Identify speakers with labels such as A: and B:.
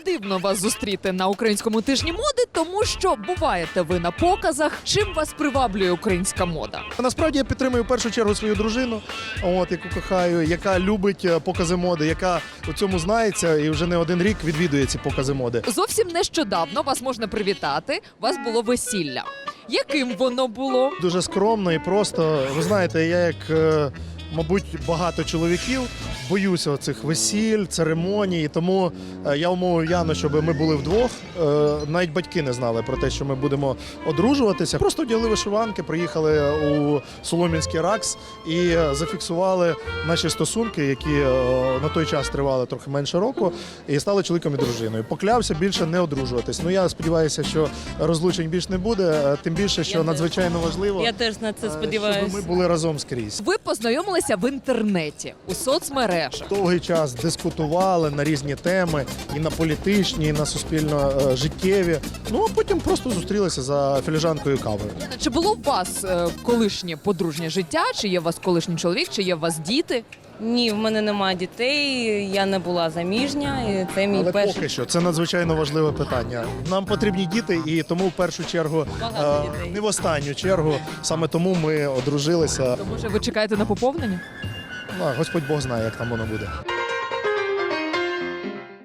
A: дивно вас зустріти на українському тижні моди, тому що буваєте ви на показах. Чим вас приваблює українська мода?
B: Насправді я підтримую в першу чергу свою дружину, яку кохаю, яка любить покази моди, яка у цьому знається і вже не один рік відвідує ці покази моди.
A: Зовсім нещодавно вас можна привітати. У вас було весілля. Яким воно було?
B: Дуже скромно і просто. Ви знаєте, я як, мабуть, багато чоловіків боюся цих весіль, церемоній, тому я умовив Яну, щоб ми були вдвох. Навіть батьки не знали про те, що ми будемо одружуватися. Просто одягли вишиванки, приїхали у Солом'янський РАКС і зафіксували наші стосунки, які на той час тривали трохи менше року, і стали чоловіком і дружиною. Поклявся більше не одружуватись. Ну, я сподіваюся, що розлучень більше не буде, тим більше, що надзвичайно важливо,
C: Я теж на це сподіваюся.
B: щоб ми були разом скрізь.
A: Ви познайомилися в інтернеті, у соцмережах.
B: Довгий час дискутували на різні теми, і на політичні, і на суспільно-життєві. Ну, а потім просто зустрілися за філіжанкою кави.
A: Чи було у вас колишнє подружнє життя? Чи є у вас колишній чоловік? Чи є у вас діти?
C: Ні, в мене немає дітей, я не була заміжня, і це мій
B: Але
C: перший.
B: поки що це надзвичайно важливе питання. Нам потрібні діти, і тому в першу чергу,
C: Багато дітей.
B: не в останню чергу, саме тому ми одружилися.
A: То може ви чекаєте на поповнення?
B: Ну, Господь Бог знає, як там воно буде.